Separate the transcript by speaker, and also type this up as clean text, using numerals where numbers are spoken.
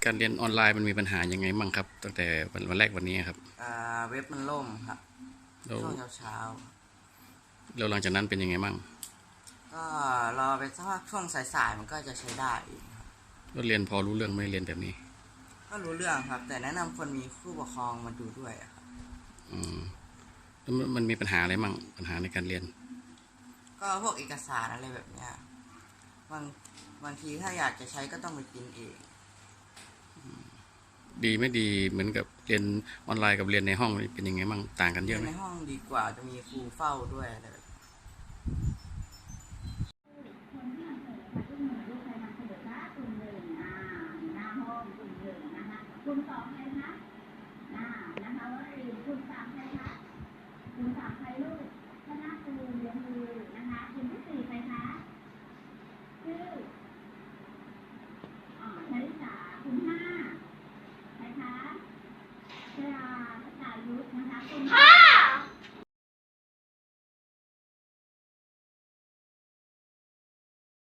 Speaker 1: การเรียนออนไลน์มันมีปัญหายังไงบ้างครับตั้งแต่วันแรกวันนี้ครับ
Speaker 2: เว็บมันล่มครับ
Speaker 1: แล้ว
Speaker 2: ช่วงเช้า
Speaker 1: แล้วหลังจากนั้นเป็นยังไงบ้าง
Speaker 2: ก็รอไปสักพักช่วงสายๆมันก็จะใช้ได้อีกครับ
Speaker 1: แล้วเรียนพอรู้เรื่องไหมเรียนแบบนี้
Speaker 2: ก็รู้เรื่องครับ แต่แนะนำคนมีผู้ปกครองมาดูด้วยครับ
Speaker 1: อืมแล้วมันมีปัญหาอะไรบ้างปัญหาในการเรียน
Speaker 2: ก็พวกเอกสารอะไรแบบเนี้ยบางบางทีถ้าอยากจะใช้ก็ต้องไปพิมพ์เอง
Speaker 1: ดีไม่ดีเหมือนกับเรียนออนไลน์กับเรียนในห้องเป็นยังไงบ้างต่างกันเย
Speaker 2: เรี
Speaker 1: อะไหม
Speaker 2: ยนในห้องดีกว่าจะมีครูเฝ้าด้วยอะไรแบบนี้
Speaker 3: คุณสองใครคะนะคะว่าคุณสามใครคะคุณสามใครลูกคณะครูเรียนมือนะคะคุณที่สี่ใครคะชื่อชลิสาคุณห้าใครคะชราชายุทธนะคะคุณ